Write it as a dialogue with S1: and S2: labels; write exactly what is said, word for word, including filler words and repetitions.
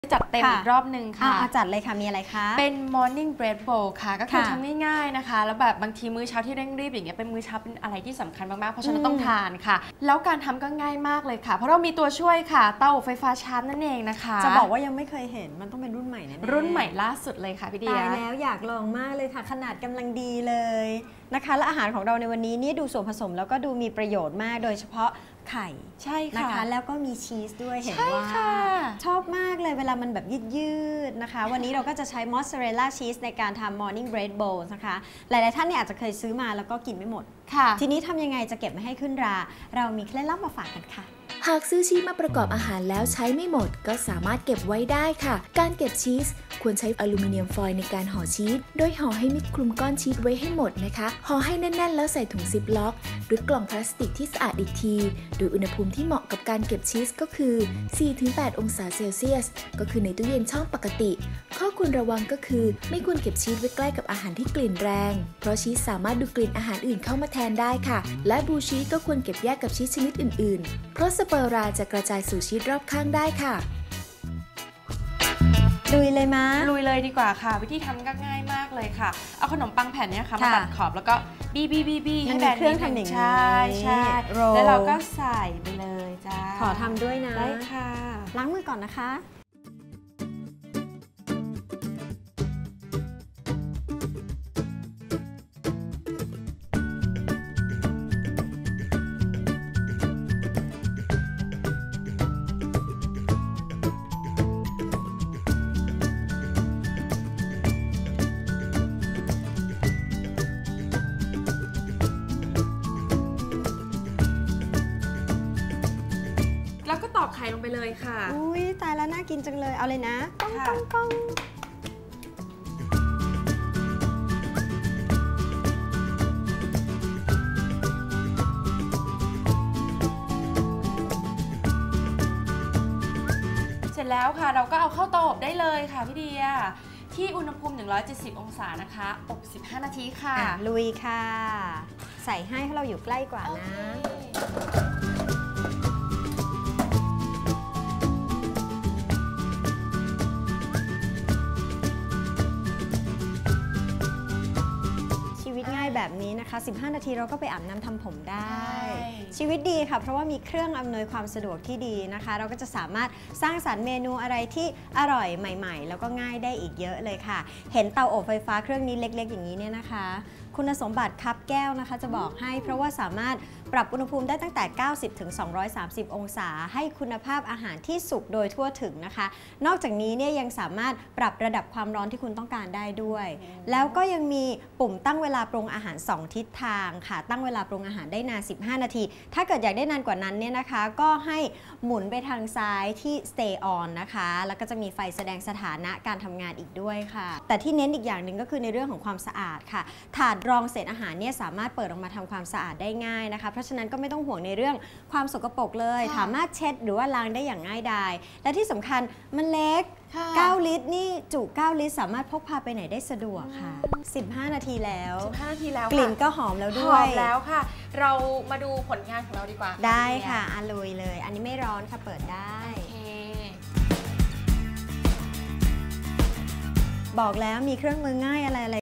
S1: จัดเต็มอีกรอบหนึ่งค่ะ
S2: จัดเลยค่ะมีอะไรคะ
S1: เป็น morning bread bowl ค่ะก็คือทำง่ายๆนะคะแล้วแบบบางทีมื้อเช้าที่เร่งรีบอย่างเงี้ยเป็นมื้อเช้าเป็นอะไรที่สำคัญมากๆเพราะฉะนั้นต้องทานค่ะแล้วการทำก็ง่ายมากเลยค่ะเพราะเรามีตัวช่วยค่ะเตาอบไฟฟ้าชาร์จนั่นเองนะคะ
S2: จะบอกว่ายังไม่เคยเห็นมันต้องเป็นรุ่นใหม่แน่ๆ
S1: รุ่นใหม่ล่าสุดเลยค่ะพี่เดีย
S2: ตายแล้วอยากลองมากเลยค่ะขนาดกำลังดีเลยนะคะและอาหารของเราในวันนี้นี่ดูส่วนผสมแล้วก็ดูมีประโยชน์มากโดยเฉพาะไข่
S1: ใช่ค่ะ
S2: นะคะแล้วก็มีชีสด้วยเห็นว่าชอบมากเลยเวลามันแบบยืดๆนะคะวันนี้เราก็จะใช้มอสซาเรลล่าชีสในการทำ morning bread bowl นะคะหลายๆท่านเนี่ยอาจจะเคยซื้อมาแล้วก็กินไม่หมดทีนี้ทำยังไงจะเก็บไม่ให้ขึ้นราเรามีเคล็ดลับมาฝากกันค่ะ
S3: หากซื้อชีสมาประกอบอาหารแล้วใช้ไม่หมดก็สามารถเก็บไว้ได้ค่ะการเก็บชีสควรใช้อลูมิเนียมฟอยล์ในการห่อชีสโดยห่อให้มิดคลุมก้อนชีสไว้ให้หมดนะคะห่อให้แน่นๆแล้วใส่ถุงซิปล็อกหรือกล่องพลาสติกที่สะอาดอีกทีโดยอุณหภูมิที่เหมาะกับการเก็บชีสก็คือ สี่ถึงแปด องศาเซลเซียสก็คือในตู้เย็นช่องปกติข้อควรระวังก็คือไม่ควรเก็บชีสไว้ใกล้กับอาหารที่กลิ่นแรงเพราะชีสสามารถดูดกลิ่นอาหารอื่นเข้ามาแทนได้ค่ะและบลูชีสก็ควรเก็บแยกกับชีสชนิดอื่นๆเพราะสเปอราจะกระจายสู่ชีสรอบข้างได้ค่ะ
S2: ลุยเลยมะ
S1: ลุยเลยดีกว่าค่ะวิธีทำก็ง่ายมากเลยค่ะเอาขนมปังแผ่นนี้ค่ะมาตัดขอบแล้วก็บี้บี้บี้บี้ให้แบน
S2: เครื่องทำอย่างนี้
S1: ใช่ใช่แล้วเราก็ใส่ไปเลยจ้า
S2: ขอทำด้วยนะ
S1: ได้ค่ะ
S2: ล้างมือก่อนนะคะ
S1: แล้วก็ตอกไข่ลงไปเลยค่ะ
S2: อุ้ยตายแล้วน่ากินจังเลยเอาเลยนะก้องก้องก้อง
S1: เสร็จแล้วค่ะเราก็เอาเข้าเตาอบได้เลยค่ะพี่เดียที่อุณหภูมิหนึ่งร้อยเจ็ดสิบองศานะคะอบสิบห้านาทีค่ะ
S2: ลุยค่ะใส่ให้เพราะเราอยู่ใกล้กว่านะแบบนี้นะคะสิบห้านาทีเราก็ไปอาบน้ำทำผมได้ชีวิตดีค่ะเพราะว่ามีเครื่องอำนวยความสะดวกที่ดีนะคะเราก็จะสามารถสร้างสรรค์เมนูอะไรที่อร่อยใหม่ๆแล้วก็ง่ายได้อีกเยอะเลยค่ะเห็นเตาอบไฟฟ้าเครื่องนี้เล็กๆอย่างนี้เนี่ยนะคะคุณสมบัติคับแก้วนะคะจะบอกให้เพราะว่าสามารถปรับอุณหภูมิได้ตั้งแต่ เก้าสิบถึงสองร้อยสามสิบ องศาให้คุณภาพอาหารที่สุกโดยทั่วถึงนะคะนอกจากนี้เนี่ยยังสามารถปรับระดับความร้อนที่คุณต้องการได้ด้วยแล้วก็ยังมีปุ่มตั้งเวลาปรุงอาหารสองทิศทางค่ะตั้งเวลาปรุงอาหารได้นานสิบห้านาทีถ้าเกิดอยากได้นานกว่านั้นเนี่ยนะคะก็ให้หมุนไปทางซ้ายที่ stay on นะคะแล้วก็จะมีไฟแสดงสถานะการทำงานอีกด้วยค่ะแต่ที่เน้นอีกอย่างหนึ่งก็คือในเรื่องของความสะอาดค่ะถาดรองเศษอาหารเนี่ยสามารถเปิดออกมาทำความสะอาดได้ง่ายนะคะเพราะฉะนั้นก็ไม่ต้องห่วงในเรื่องความสกปรกเลยสามารถเช็ดหรือว่าล้างได้อย่างง่ายดายและที่สำคัญมันเล็กเก้าลิตรนี่จุเก้าลิตรสามารถพกพาไปไหนได้สะดวกค่ะสิบห้านาทีแล้ว
S1: สิบห้านาทีแล้ว
S2: กลิ่นก็หอมแล้วด้วย
S1: หอมแล้วค่ะเรามาดูผลงานของเราดีกว่า
S2: ได้ค่ะอาลุยเลยอันนี้ไม่ร้อนค่ะเปิดได้บอกแล้วมีเครื่องมือง่ายอะไรอะไร